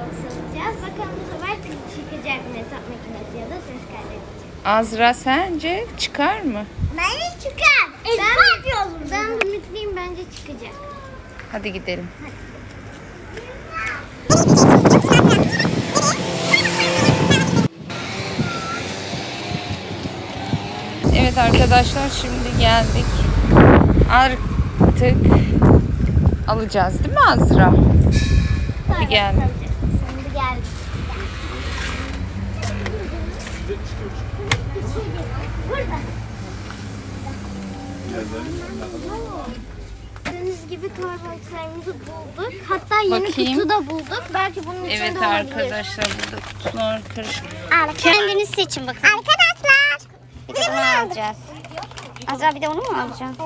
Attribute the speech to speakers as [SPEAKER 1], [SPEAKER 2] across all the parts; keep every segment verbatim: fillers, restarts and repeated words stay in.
[SPEAKER 1] Toybox alacağız. Bakalım bu sefer çıkacak mı hesap makinesi ya da ses kaydedecek.
[SPEAKER 2] Azra sence çıkar mı?
[SPEAKER 1] Bence çıkar. Ben, ben ümitliyim, bence çıkacak.
[SPEAKER 2] Hadi gidelim. Evet arkadaşlar, şimdi geldik. Artık alacağız değil mi Azra? Hadi gel.
[SPEAKER 1] Şimdi geldik. Burada. Gördüğünüz gibi Toybox'larımızı bulduk. Hatta yeni
[SPEAKER 2] Bakayım.
[SPEAKER 1] kutu da bulduk. Belki bunun içinde
[SPEAKER 2] Evet
[SPEAKER 1] olabilir.
[SPEAKER 2] arkadaşlar, burada kutular karışık.
[SPEAKER 3] Kendiniz seçin bakın. Arkadaşlar. Bir de bunu alacağız. Azra bir de onu mu alacaksın?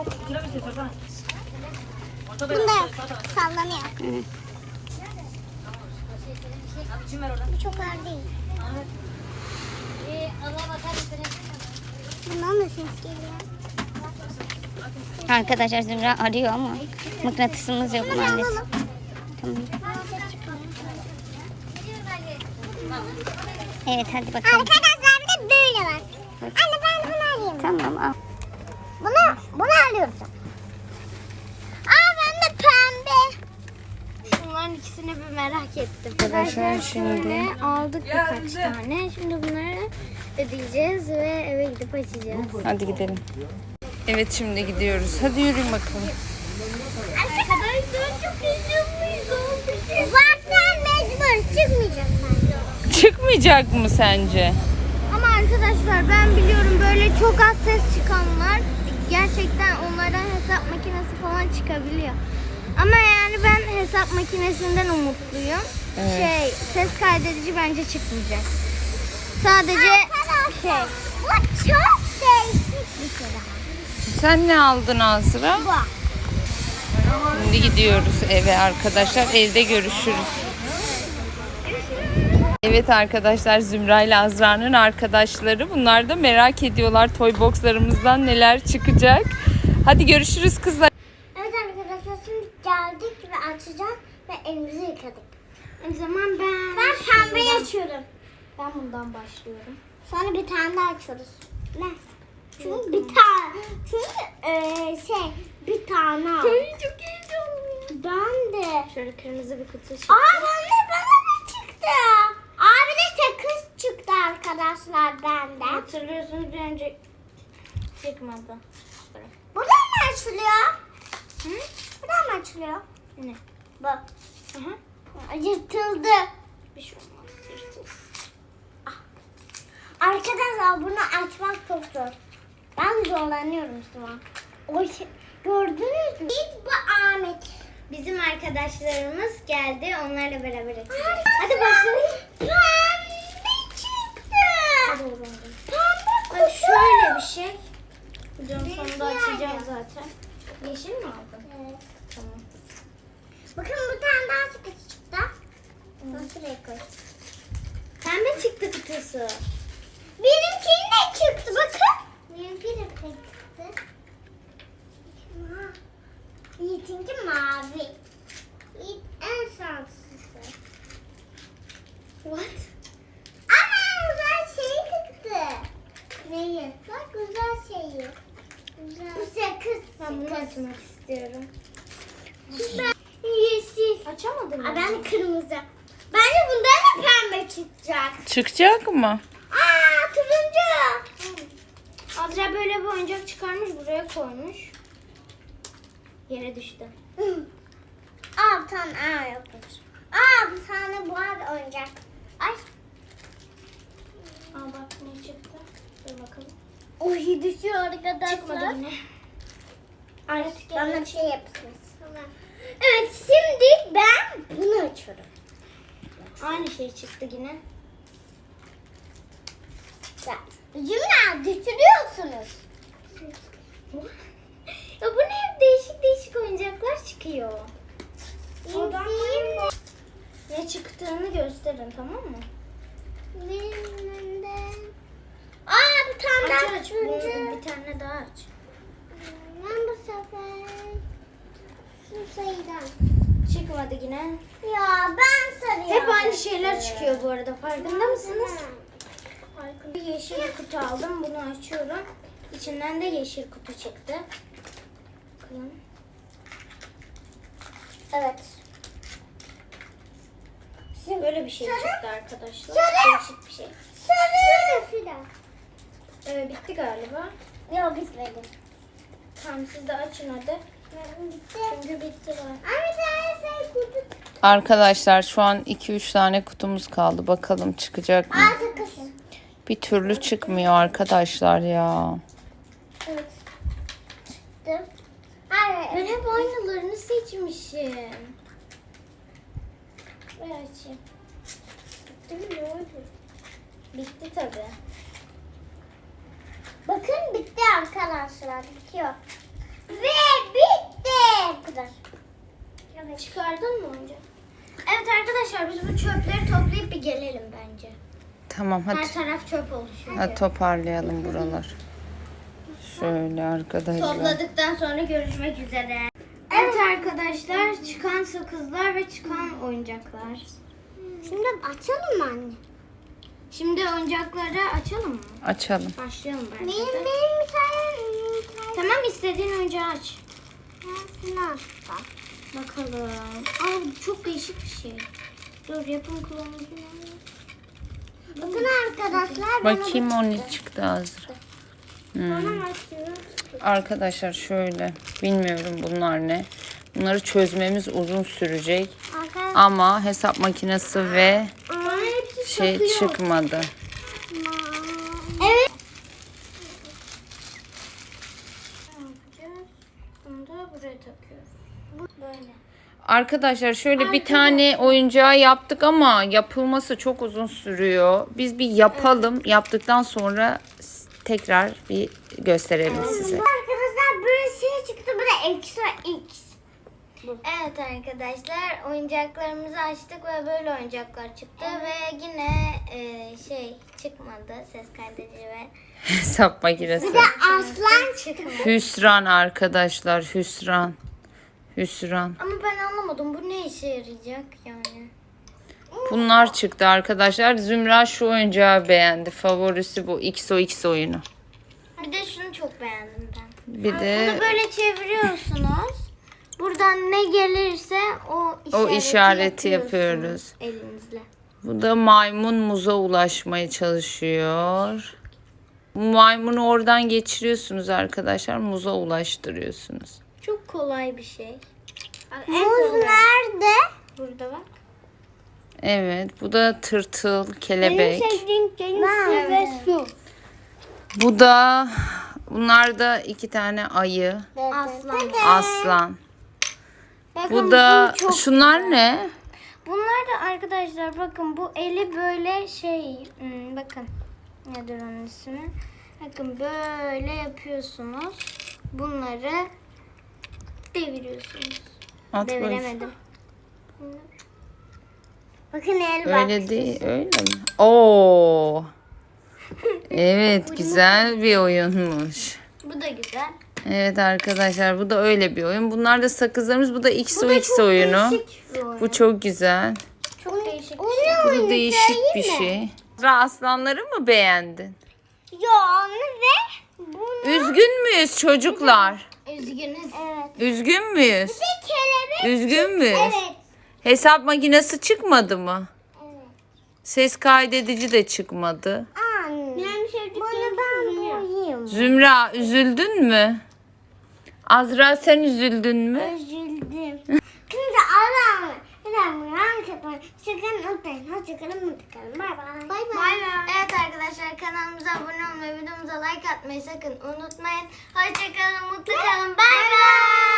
[SPEAKER 1] Bunda sallanıyor.
[SPEAKER 3] Hı.
[SPEAKER 1] Bu çok ağır değil. Bundan da ses geliyor.
[SPEAKER 3] Arkadaşlar Zümra arıyor ama mıknatısımız yok maalesef. Tamam. Evet hadi bakalım.
[SPEAKER 1] Arkadaşlar bir de böyle var. Anne ben bunu alayım.
[SPEAKER 3] Tamam al.
[SPEAKER 1] Bunu, bunu alıyorum. Aa ben de pembe. Şunların ikisini bir merak ettim.
[SPEAKER 2] Arkadaşlar şimdi-
[SPEAKER 1] şöyle aldık birkaç tane. Şimdi bunları ödeyeceğiz ve eve gidip açacağız.
[SPEAKER 2] Hadi gidelim. Evet şimdi gidiyoruz. Hadi yürüyün bakalım.
[SPEAKER 1] Arkadaşlar çok heyecanlıyım. Zaten mecbur çıkmayacak bence.
[SPEAKER 2] Çıkmayacak mı sence?
[SPEAKER 1] Ama arkadaşlar ben biliyorum böyle çok az ses çıkanlar gerçekten onlardan hesap makinesi falan çıkabiliyor. Ama yani ben hesap makinesinden umutluyum.
[SPEAKER 2] Evet.
[SPEAKER 1] Şey ses kaydedici bence çıkmayacak. Sadece şey. Bu çok değişik bir şey daha.
[SPEAKER 2] Sen ne aldın Azra?
[SPEAKER 1] Bu.
[SPEAKER 2] Şimdi gidiyoruz eve arkadaşlar. Evde görüşürüz. Evet arkadaşlar, Zümra ile Azra'nın arkadaşları. Bunlar da merak ediyorlar Toybox'larımızdan neler çıkacak. Hadi görüşürüz kızlar.
[SPEAKER 1] Evet arkadaşlar şimdi geldik ve açacağız ve elimizi yıkadık. O zaman ben... Ben pembeyi açıyorum. Ben bundan başlıyorum. Sonra bir tane daha açıyoruz. Ne? Çünkü bir tane... Çünkü eee şey bir tane al. Çok heyecanlıyım. Ben de. Şöyle kırmızı bir kutu çıktı. Aa ben de bana ne çıktı? Abi de sakız çıktı arkadaşlar benden. Hatırlıyorsunuz bir önce çıkmadı. Buradan mı açılıyor? Hı? Buradan mı açılıyor? Ne? Bak. Hı hı. Yırtıldı. Bir şey olmaz. Yırtıldı. Ah. Arkadaşlar bunu açmak çok zor. Ben zorlanıyorum şu an. O şey, gördünüz mü? Biz bu Ahmet. Bizim arkadaşlarımız geldi. Onlarla beraber açacağız. Hadi başlayalım. Pembe çıktı. Hadi oğlum. Pembe kutu. Şöyle bir şey. Videonun sonunda açacağım zaten. Yeşil mi aldın? Evet. Tamam. Bakın bir tane daha çıktı çıktı. Onu şuraya koy. Pembe çıktı kutusu. Benimkinin de çıktı bakın. Benimki de çıktı. Yiğit'inki mavi. Yiğit en şanslısı. What? Ama güzel şey çıktı. Neyi? Bak güzel şeyi. Güzel. Bu sakız. Ben bunu açmak istiyorum. Ben yeşil. Açamadım mı? Ben de kırmızı. Bence bundan da pembe çıkacak.
[SPEAKER 2] Çıkacak mı?
[SPEAKER 1] Aa turuncu. Azra böyle bir oyuncak çıkarmış, buraya koymuş. Yere düştü. Aa bir tane aa yokmuş. Aa bir tane bu var oyuncak. Ay. Aa bak ne çıktı. Dur bakalım. Oy düşüyor arkadaşlar. Çıkmadı yine. Ay bana bir şey yapışmış. Evet şimdi ben bunu açıyorum. Aynı şey çıktı yine. Zümra düşürüyorsunuz. Ya bu ne, değişik değişik oyuncaklar çıkıyor. İzleyeyim. Ne çıktığını gösterin, tamam mı? Benim de. Aa bir tane
[SPEAKER 2] Aç,
[SPEAKER 1] daha
[SPEAKER 2] aç.
[SPEAKER 1] turuncu. Bir tane daha aç. Ben bu sefer şu sayıdan. Çıkmadı yine. Ya ben sarıyorum. Hep aynı şeyler çıkıyor bu arada. Farkında mısınız? Bir yeşil kutu aldım. Bunu açıyorum. İçinden de yeşil kutu çıktı. Bakalım. Evet. Size böyle bir şey çıktı arkadaşlar. Değişik bir şey. Sarı. Fidan. Ee, bitti galiba. Yok bitmedi. Tamam siz de açın hadi. Bitti. Çünkü bitti var. Ama sen kutu.
[SPEAKER 2] Arkadaşlar şu an iki üç tane kutumuz kaldı. Bakalım çıkacak mı?
[SPEAKER 1] Aa sakız.
[SPEAKER 2] Bir türlü çıkmıyor arkadaşlar ya.
[SPEAKER 1] Evet. Çıktı. Ben hep aynalarını seçmişim. Ver açayım. Bitti mi? Ne oldu? Bitti tabii. Bakın bitti arkadaşlar. Bitiyor. Ve bitti. Bu kadar. Evet. Çıkardın mı önce? Evet arkadaşlar biz bu çöpleri toplayıp bir gelelim bence.
[SPEAKER 2] Tamam hadi.
[SPEAKER 1] Her taraf çöp oluşuyor.
[SPEAKER 2] Hadi toparlayalım buralar. Şöyle arkadaşlar.
[SPEAKER 1] Topladıktan sonra görüşmek üzere. Evet arkadaşlar çıkan sakızlar ve çıkan oyuncaklar. Şimdi açalım mı anne? Şimdi oyuncakları açalım mı?
[SPEAKER 2] Açalım.
[SPEAKER 1] Başlayalım bence. Benim, benim bir tane, tamam istediğin oyuncağı aç. Bakalım. Aa bu çok değişik bir şey. Dur yapım kılavuzu. Bakın arkadaşlar.
[SPEAKER 2] Bakayım o ne çıktı Azra. Hmm.
[SPEAKER 1] Bana açıyor.
[SPEAKER 2] Arkadaşlar şöyle. Bilmiyorum bunlar ne. Bunları çözmemiz uzun sürecek.
[SPEAKER 1] Arkadaşlar.
[SPEAKER 2] Ama hesap makinesi ve
[SPEAKER 1] Bana hepsi
[SPEAKER 2] şey
[SPEAKER 1] takıyor.
[SPEAKER 2] çıkmadı.
[SPEAKER 1] Evet. Ne yapacağız? Bunu da buraya takıyoruz. Bu böyle.
[SPEAKER 2] Arkadaşlar şöyle bir tane oyuncağı yaptık ama yapılması çok uzun sürüyor. Biz bir yapalım. Yaptıktan sonra tekrar bir gösterelim size.
[SPEAKER 1] Arkadaşlar böyle şey çıktı. Bu da ekstra X. Evet arkadaşlar oyuncaklarımızı açtık ve böyle oyuncaklar çıktı ve yine e, şey çıkmadı ses kaydedici ve
[SPEAKER 2] Hesap makinesi.
[SPEAKER 1] aslan çıkmadı.
[SPEAKER 2] Hüsran arkadaşlar, hüsran. Hüsran.
[SPEAKER 1] Ama ben anlamadım bu ne işe yarayacak yani.
[SPEAKER 2] Bunlar çıktı arkadaşlar. Zümra şu oyuncağı beğendi. Favorisi bu X O X oyunu.
[SPEAKER 1] Bir de şunu çok beğendim ben.
[SPEAKER 2] Bir de
[SPEAKER 1] Bunu böyle çeviriyorsunuz. Buradan ne gelirse o işareti,
[SPEAKER 2] o işareti
[SPEAKER 1] yapıyorsunuz
[SPEAKER 2] yapıyoruz.
[SPEAKER 1] elinizle.
[SPEAKER 2] Bu da maymun muza ulaşmaya çalışıyor. Bu maymunu oradan geçiriyorsunuz arkadaşlar. Muza ulaştırıyorsunuz.
[SPEAKER 1] Çok kolay bir şey. Muz nerede? Burada bak.
[SPEAKER 2] Evet, bu da tırtıl, kelebek.
[SPEAKER 1] deniz ve su.
[SPEAKER 2] Bu da bunlar da iki tane ayı,
[SPEAKER 1] Aslan.
[SPEAKER 2] aslan.
[SPEAKER 1] Bakın,
[SPEAKER 2] Bu da
[SPEAKER 1] çok
[SPEAKER 2] şunlar
[SPEAKER 1] güzel.
[SPEAKER 2] ne?
[SPEAKER 1] Bunlar da arkadaşlar bakın bu eli böyle şey hmm, bakın nedir onun ismi? Bakın böyle yapıyorsunuz. Bunları deviriyorsunuz.
[SPEAKER 2] At bakayım.
[SPEAKER 1] Deviremedim. Bakın el
[SPEAKER 2] Öyle değil, öyle mi? Oo. Evet, güzel bir oyunmuş.
[SPEAKER 1] Bu da güzel.
[SPEAKER 2] Evet arkadaşlar, bu da öyle bir oyun. Bunlar da sakızlarımız. Bu da X O
[SPEAKER 1] Bu da
[SPEAKER 2] X
[SPEAKER 1] çok
[SPEAKER 2] oyunu.
[SPEAKER 1] değişik bir oyun.
[SPEAKER 2] Bu çok güzel.
[SPEAKER 1] Çok değişik bir şey.
[SPEAKER 2] Bu da değişik bir şey. Azra, aslanları mı beğendin?
[SPEAKER 1] Yo onu ve bunu.
[SPEAKER 2] Üzgün müyüz çocuklar?
[SPEAKER 1] Üzgünüz. Evet.
[SPEAKER 2] Üzgün müyüz?
[SPEAKER 1] Bir kelebek.
[SPEAKER 2] Üzgün müyüz?
[SPEAKER 1] Evet.
[SPEAKER 2] Hesap makinesi çıkmadı mı?
[SPEAKER 1] Evet.
[SPEAKER 2] Ses kaydedici de çıkmadı.
[SPEAKER 1] Anne. Benim sevdiklerim ben boyayım.
[SPEAKER 2] Zümra, üzüldün mü? Azra, sen üzüldün mü?
[SPEAKER 1] Üzüldüm. Şimdi Allah'ım. İnanmıyorum. Sakın unutmayın. Hoşçakalın. Mutlu kalın. Bay bay. Bay bay. Evet arkadaşlar kanalımıza abone olmayı, videomuza like atmayı sakın unutmayın. Hoşçakalın. Mutlu kalın. Bay bay.